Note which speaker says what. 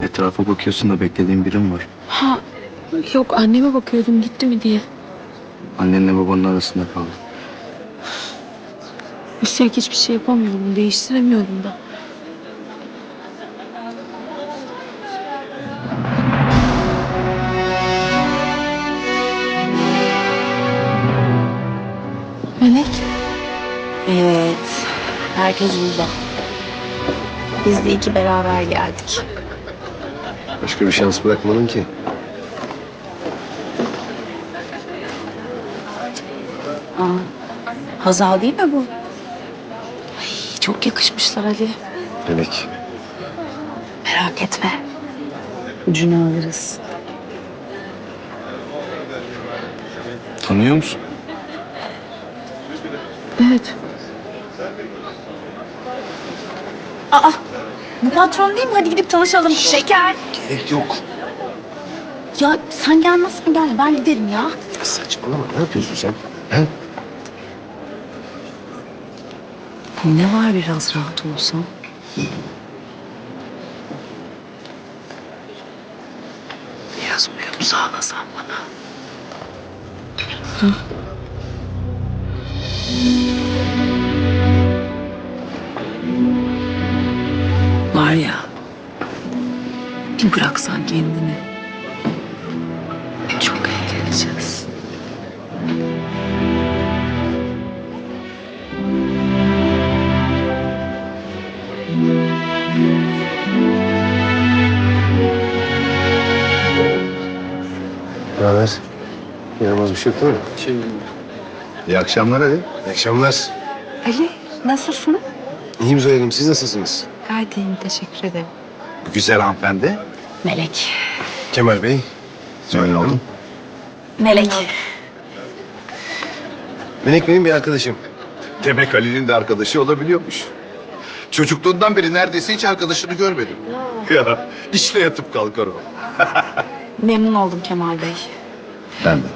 Speaker 1: Etrafa bakıyorsun da beklediğin birim var.
Speaker 2: Ha, yok anneme bakıyordum gitti mi diye.
Speaker 1: Annenle babanın arasında kaldı.
Speaker 2: Üstelik hiçbir şey yapamıyorum, değiştiremiyorum da. Melek.
Speaker 3: Evet. Herkes burada. Biz de iyi ki beraber geldik.
Speaker 4: Başka bir şans bırakmadın ki.
Speaker 3: Hazal değil mi bu? Ay, çok yakışmışlar Ali.
Speaker 4: Melek.
Speaker 3: Merak etme. Ucunu alırız.
Speaker 1: Tanıyor musun?
Speaker 2: Evet.
Speaker 3: Aa, bu patron değil mi? Hadi gidip tanışalım. Şeker.
Speaker 4: Gerek yok.
Speaker 3: Ya sen gelmezsen gel. Ben giderim ya.
Speaker 4: Saçmalama. Ne yapıyorsun sen? He?
Speaker 3: Ne var biraz rahat olsam? Biraz uyum sağlasan bana. Var ya, bir bıraksan kendini. Çok eğleneceğiz.
Speaker 4: Ne haber? Yaramaz bir şey yok değil mi? İyi akşamlar Ali. İyi akşamlar.
Speaker 3: Ali, nasılsın?
Speaker 4: İyiyim Zoya Hanım. Siz nasılsınız?
Speaker 3: Gayet iyiyim, teşekkür ederim.
Speaker 5: Bu güzel hanımefendi.
Speaker 3: Melek.
Speaker 4: Kemal Bey. Zoya Hanım.
Speaker 3: Melek.
Speaker 4: Melek benim bir arkadaşım.
Speaker 5: Demek Ali'nin de arkadaşı olabiliyormuş. Çocukluğundan beri neredeyse hiç arkadaşını görmedim. Ya işte yatıp kalkar o.
Speaker 3: Memnun oldum Kemal Bey.
Speaker 5: Ben de.